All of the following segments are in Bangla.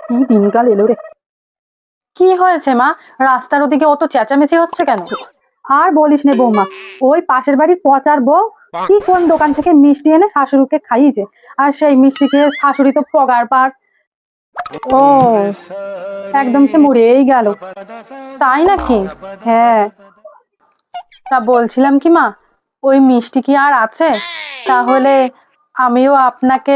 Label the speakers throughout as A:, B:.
A: কি দিনকাল এলো রে। কি হয়েছে মা? রাস্তার ওদিকে অত চেঁচামেচি হচ্ছে কেন? আর বলিস নে বৌমা, ওই পাশের বাড়ির পচার বউ কি কোন দোকান থেকে মিষ্টি এনে শাশুড়িকে খাইয়েছে, আর সেই মিষ্টি খেয়ে শাশুড়ি তো পগার পার। ও, একদম সে মরেই গেল। তাই নাকি? হ্যাঁ। তা বলছিলাম কি মা, ওই মিষ্টি কি আর আছে? তাহলে আমিও আপনাকে।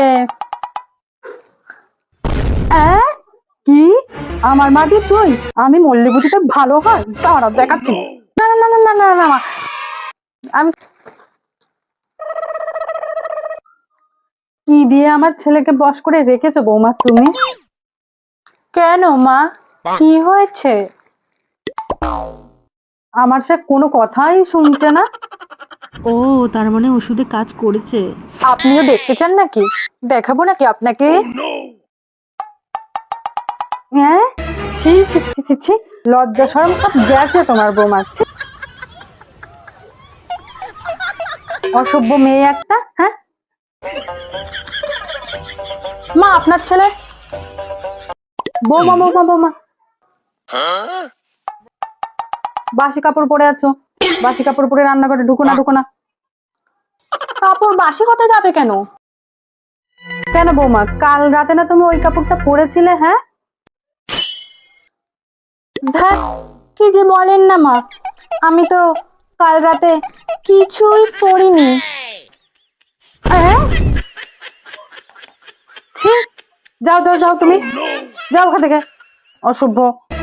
A: কি? আমার মাটি তুই? আমি মল্লি বুঝি তোর ভালো হয়? দাঁড়া দেখাচ্ছি। না না না না না না মা, আমি কি দিয়ে আমার ছেলেকে বশ করে রেখেছো বৌমা তুমি? কেন মা, কি হয়েছে? আমার সে কোনো কথাই শুনছে না।
B: ও, তার মানে ওষুধে কাজ করেছে।
A: আপনিও দেখতে চান নাকি? দেখাবো নাকি আপনাকে? হ্যাঁ, ছি ছি ছি ছি ছি, লজ্জা শরম সব গেছে তোমার বৌমা। ছি। অসভ্য মেয়ে একটা। হ্যাঁ মা, আপনার ছেলে। বৌমা বৌমা বৌমা, বাসি কাপড় পরে আছো, বাসি কাপড় পরে রান্নাঘরে ঢুকো না, ঢুকো না। কাপড় বাসি হতে যাবে কেন? কেন বৌমা, কাল রাতে না তুমি ওই কাপড়টা পরেছিলে? হ্যাঁ, ধ্যাৎ, কি যে বলেন না মা, আমি তো কাল রাতে কিছুই পরিনি। হ্যাঁ, ছি, যাও যাও যাও, তুমি যাও ওখান থেকে, অসভ্য।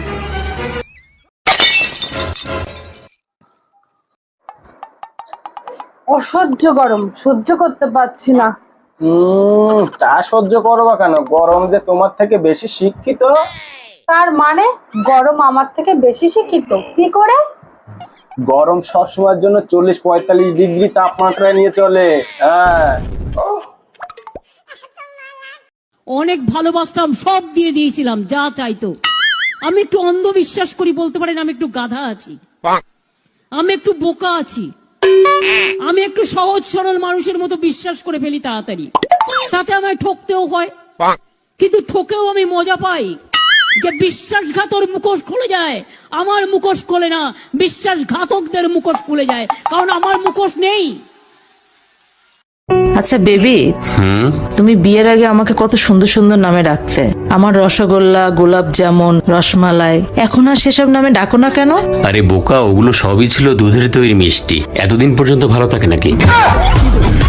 A: অসহ্য গরম, সহ্য করতে পারছি না।
C: তা সহ্য করবা কেন? গরম যে তোমার থেকে বেশি শিক্ষিত।
A: তার মানে গরম আমার থেকে বেশি শিক্ষিত কি করে?
C: গরম সবসময়ের জন্য 40-45 ডিগ্রি তাপমাত্রায় নিয়ে চলে। হ্যাঁ,
D: অনেক ভালোবাসতাম, সব দিয়ে দিয়েছিলাম যা চাইতো। আমি একটু অন্ধবিশ্বাস করি, বলতে পারেন আমি একটু গাধা আছি, আমি একটু বোকা আছি, আমি একটু সহজ সরল মানুষের মতো বিশ্বাস করে ফেলি তাড়াতাড়ি, তাতে আমায় ঠকতেও হয়। কিন্তু ঠকেও আমি মজা পাই যে বিশ্বাসঘাতর মুখোশ খুলে যায়, আমার মুখোশ খোলে না, বিশ্বাসঘাতকদের মুখোশ খুলে যায়, কারণ আমার মুখোশ নেই।
E: আচ্ছা বেবি, তুমি বিয়ের আগে আমাকে কত সুন্দর সুন্দর নামে ডাকতে। আমার রসগোল্লা, গোলাপ জামুন, রসমালাই। এখন আর সেসব নামে ডাকো না কেন?
F: আরে বোকা, ওগুলো সবই ছিল দুধের তৈরি মিষ্টি। এতদিন পর্যন্ত ভালো থাকে নাকি?